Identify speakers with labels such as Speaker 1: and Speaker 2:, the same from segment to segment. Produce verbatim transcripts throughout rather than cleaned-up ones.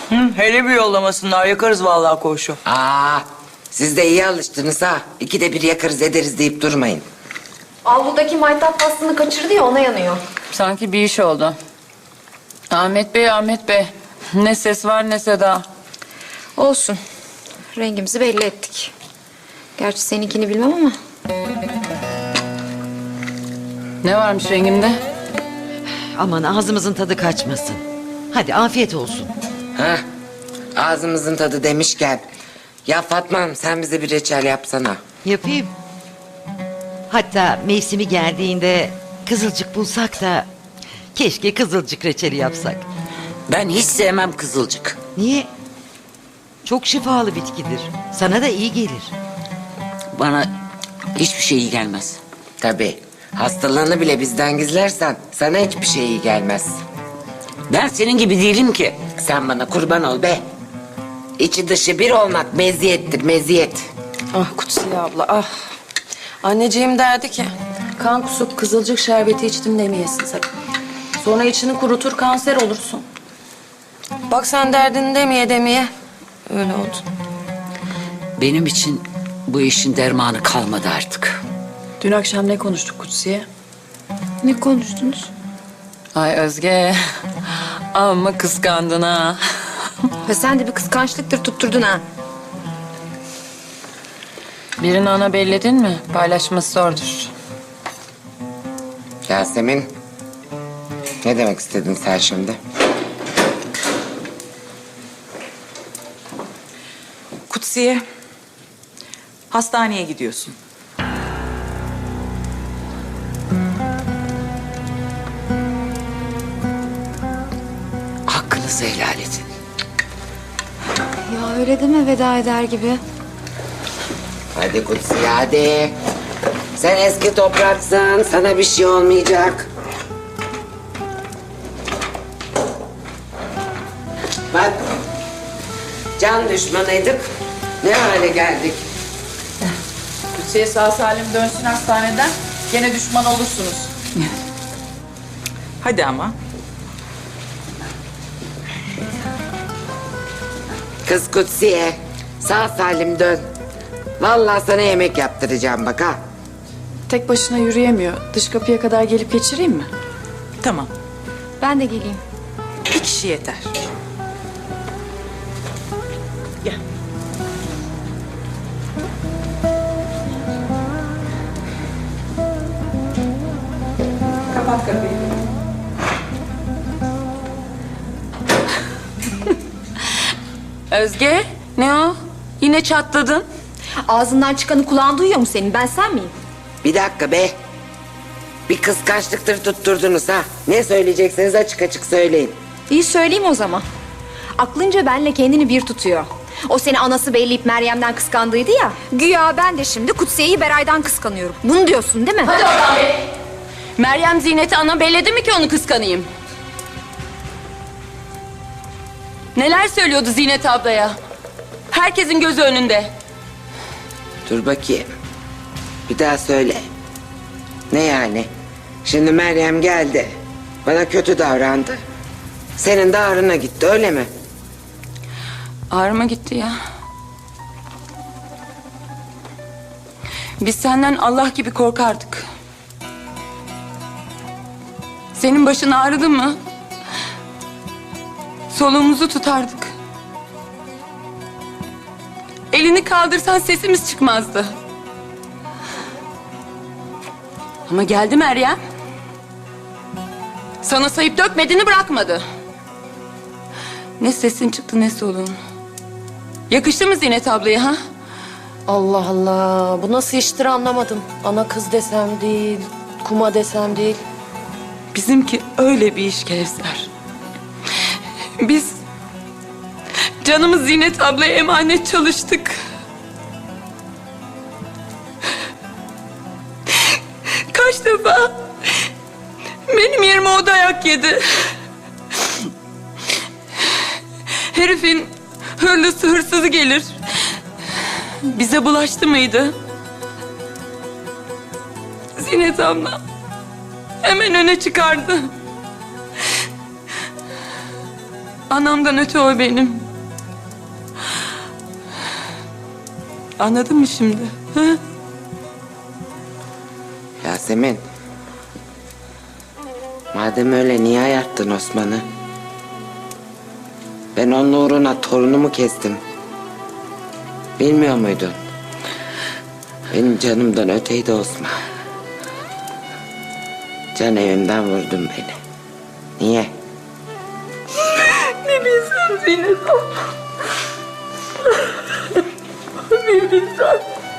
Speaker 1: Hı, hele bir yollamasınlar, yakarız vallahi koğuşu.
Speaker 2: Aa, siz de iyi alıştınız ha. İkide bir yakarız ederiz deyip durmayın.
Speaker 3: Avludaki maytap pastını kaçırdı ya, ona yanıyor.
Speaker 4: Sanki bir iş oldu. Ahmet Bey, Ahmet Bey. Ne ses var ne seda.
Speaker 3: Olsun. Rengimizi belli ettik. Gerçi seninkini bilmem ama.
Speaker 4: Ne varmış rengimde?
Speaker 5: Aman ağzımızın tadı kaçmasın. Hadi afiyet olsun.
Speaker 2: Ha, ağzımızın tadı demişken. Ya Fatma Hanım, sen bize bir reçel yapsana.
Speaker 5: Yapayım. Hatta mevsimi geldiğinde kızılcık bulsak da keşke kızılcık reçeli yapsak.
Speaker 6: Ben hiç sevmem kızılcık.
Speaker 5: Niye? Çok şifalı bitkidir. Sana da iyi gelir.
Speaker 6: Bana hiçbir şey iyi gelmez.
Speaker 2: Tabii. Hastalığını bile bizden gizlersen sana hiçbir şey iyi gelmez.
Speaker 6: Ben senin gibi değilim ki.
Speaker 2: Sen bana kurban ol be. İçi dışı bir olmak meziyettir, meziyet.
Speaker 4: Ah Kutsiye abla ah. Anneciğim derdi ki kan kusup kızılcık şerbeti içtim demeyesin sakın. Sonra içini kurutur kanser olursun. Bak sen derdini demeye demeye öyle oldu.
Speaker 6: Benim için bu işin dermanı kalmadı artık.
Speaker 4: Dün akşam ne konuştuk Kutsiye?
Speaker 3: Ne konuştunuz?
Speaker 4: Ay Özge amma kıskandın ha.
Speaker 3: Ve sen de bir kıskançlıktır tutturdun ha.
Speaker 4: Birini ana belledin mi paylaşması zordur.
Speaker 2: Yasemin, ne demek istedin sen şimdi?
Speaker 7: Kutsiye, hastaneye gidiyorsun.
Speaker 6: Hakkınızı helal edin.
Speaker 3: Ya öyle deme veda eder gibi.
Speaker 2: Hadi Kutsiye, hadi. Sen eski topraksın, sana bir şey olmayacak. Bak, can düşmanıydık, ne hale geldik.
Speaker 4: Kutsiye sağ salim dönsün hastaneden gene düşman olursunuz.
Speaker 7: Hadi ama.
Speaker 2: Kız Kutsiye, sağ salim dön. Vallahi sana yemek yaptıracağım bak ha.
Speaker 8: Tek başına yürüyemiyor. Dış kapıya kadar gelip geçireyim mi?
Speaker 7: Tamam,
Speaker 3: Ben de geleyim.
Speaker 7: bir kişi yeter. Gel. Kapat kapıyı.
Speaker 4: Özge ne o? Yine çatladın.
Speaker 3: Ağzından çıkanı kulağın duyuyor mu senin? Ben sen miyim?
Speaker 2: Bir dakika be. Bir kıskançlıktır tutturdunuz ha. Ne söyleyecekseniz açık açık söyleyin.
Speaker 3: İyi söyleyeyim o zaman. Aklınca benle kendini bir tutuyor. O seni anası belleyip Meryem'den kıskandıydı ya. Güya ben de şimdi Kutsiye'yi Beray'dan kıskanıyorum. Bunu diyorsun değil mi?
Speaker 4: Hadi oradan be. Meryem Zinet'i ana belledi mi ki onu kıskanayım? Neler söylüyordu Zinet ablaya? Herkesin gözü önünde.
Speaker 2: Dur bakayım. Bir daha söyle. Ne yani? Şimdi Meryem geldi. Bana kötü davrandı. Senin de ağrına gitti öyle mi?
Speaker 4: Ağrıma gitti ya. Biz senden Allah gibi korkardık. Senin başın ağrıdı mı? Soluğumuzu tutardık. Elini kaldırsan sesimiz çıkmazdı. Ama geldi Meryem. Sana sayıp dökmediğini bırakmadı. Ne sesin çıktı ne soluğun. Yakıştı mı Zinet ablaya ha?
Speaker 9: Allah Allah. Bu nasıl iştir anlamadım. Ana kız desem değil, kuma desem değil.
Speaker 4: Bizimki öyle bir iş Kevser. Biz canımız Zinet ablaya emanet çalıştık. Kaç defa benim yerime o dayak yedi. Herifin hırlısı hırsızı gelir. Bize bulaştı mıydı? Zinet abla hemen öne çıkardı. Anamdan öte o benim. Anladın mı şimdi? Ha?
Speaker 2: Yasemin. Madem öyle niye ayarttın Osman'ı? Ben onun uğruna torunumu kestim. Bilmiyor muydun? Benim canımdan öteydi Osman. Can evimden vurdun beni. Niye?
Speaker 4: Ne bilsem Zeynep. Ne bilsem.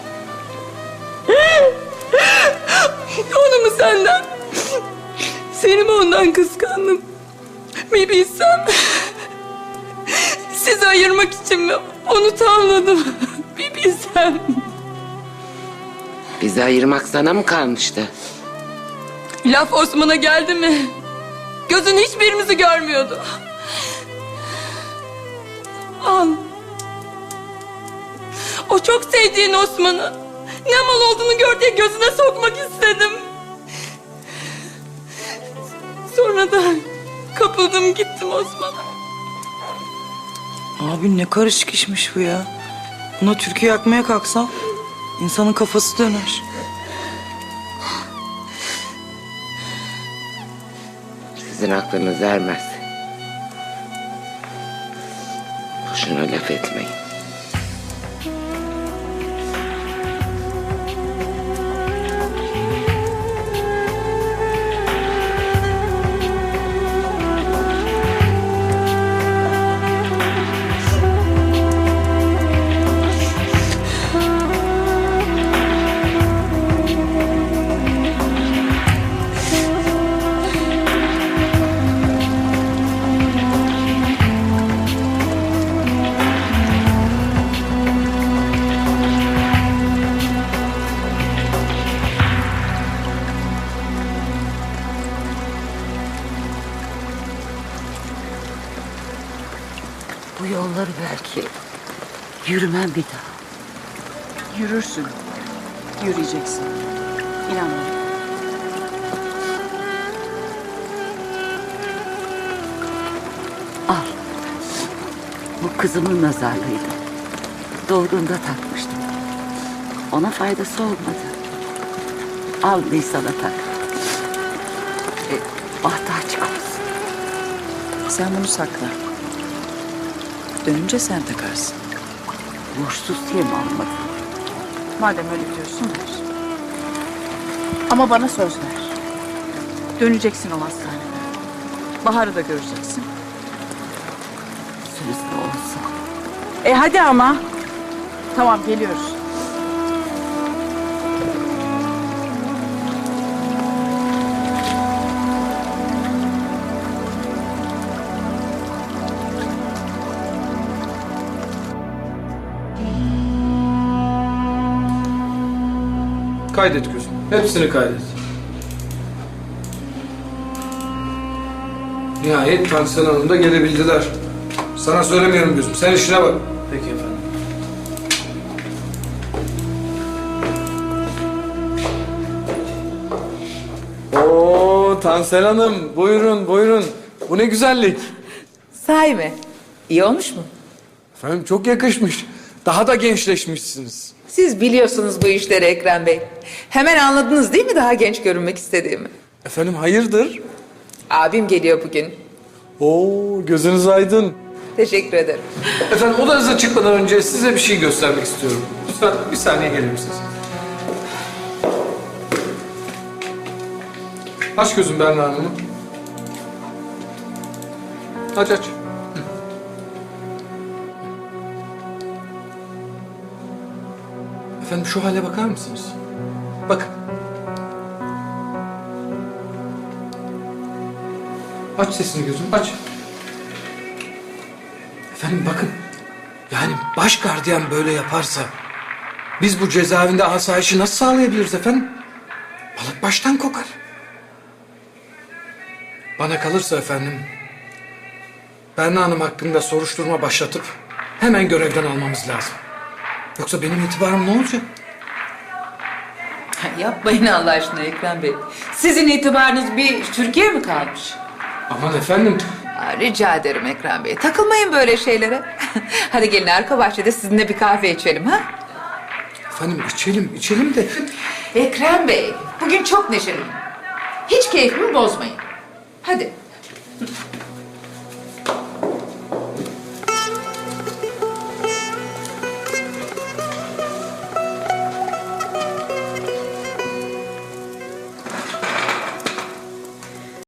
Speaker 4: Onu mu senden? Seni mi ondan kıskandım? Bir bilsem. Sizi ayırmak için mi onu tavladım? Bir bilsem.
Speaker 2: Bizi ayırmak sana mı kalmıştı?
Speaker 4: Laf Osman'a geldi mi? Gözün hiçbirimizi görmüyordu. Al. O çok sevdiğin Osman'ı ne mal olduğunu gör diye gözüne sokmak istedim. Sonra da kapıldım gittim Osman'a.
Speaker 1: Abi ne karışık işmiş bu ya. Buna türkü yakmaya kalksam insanın kafası döner.
Speaker 2: Sizin aklınız ermez. Boşuna laf etmeyin.
Speaker 6: Bu yolları belki yürümem bir daha.
Speaker 7: Yürürsün. Yürüyeceksin. İnan bana.
Speaker 6: Al. Bu kızımın nazarlıydı. Doğduğunda takmıştım. Ona faydası olmadı. Al Nisan'a tak. E, bahtı açık olsun.
Speaker 7: Sen bunu sakla. Dönünce sen takarsın.
Speaker 6: Borçsuz diye mi almadın?
Speaker 7: Madem öyle diyorsun ver. Ama bana söz ver. Döneceksin o hastaneye. Bahar'ı da göreceksin.
Speaker 6: Sözlü olsa.
Speaker 7: E hadi ama. Tamam geliyoruz.
Speaker 10: Kaydet gözüm. Hepsini kaydet. Nihayet Tansiyon Hanım da gelebildiler. Sana söylemiyorum gözüm. Sen işine bak. Peki efendim. Oo Tansel Hanım. Buyurun buyurun. Bu ne güzellik.
Speaker 7: Sahi mi? İyi olmuş mu?
Speaker 10: Efendim çok yakışmış. Daha da gençleşmişsiniz.
Speaker 11: Siz biliyorsunuz bu işleri Ekrem Bey. Hemen anladınız değil mi daha genç görünmek istediğimi?
Speaker 10: Efendim hayırdır?
Speaker 11: Abim geliyor bugün.
Speaker 10: Oo gözünüz aydın.
Speaker 11: Teşekkür ederim.
Speaker 10: Efendim odanıza çıkmadan önce size bir şey göstermek istiyorum. Lütfen bir saniye gelir misiniz? Aç gözüm Berna Hanım'ı. Aç aç. Hı. Efendim şu hale bakar mısınız? Bakın. Aç sesini gözüm, aç. Efendim bakın. Yani baş gardiyan böyle yaparsa biz bu cezaevinde asayişi nasıl sağlayabiliriz efendim? Balık baştan kokar. Bana kalırsa efendim Berna Hanım hakkında soruşturma başlatıp hemen görevden almamız lazım. Yoksa benim itibarım ne olacak?
Speaker 11: Yapmayın Allah aşkına Ekrem Bey. Sizin itibarınız bir Türkiye mi kalmış?
Speaker 10: Aman efendim
Speaker 11: Aa, rica ederim Ekrem Bey. Takılmayın böyle şeylere. Hadi gelin arka bahçede sizinle bir kahve içelim ha?
Speaker 10: Efendim içelim, içelim de...
Speaker 11: Ekrem Bey, bugün çok neşeliyim. Hiç keyfimi bozmayın. Hadi.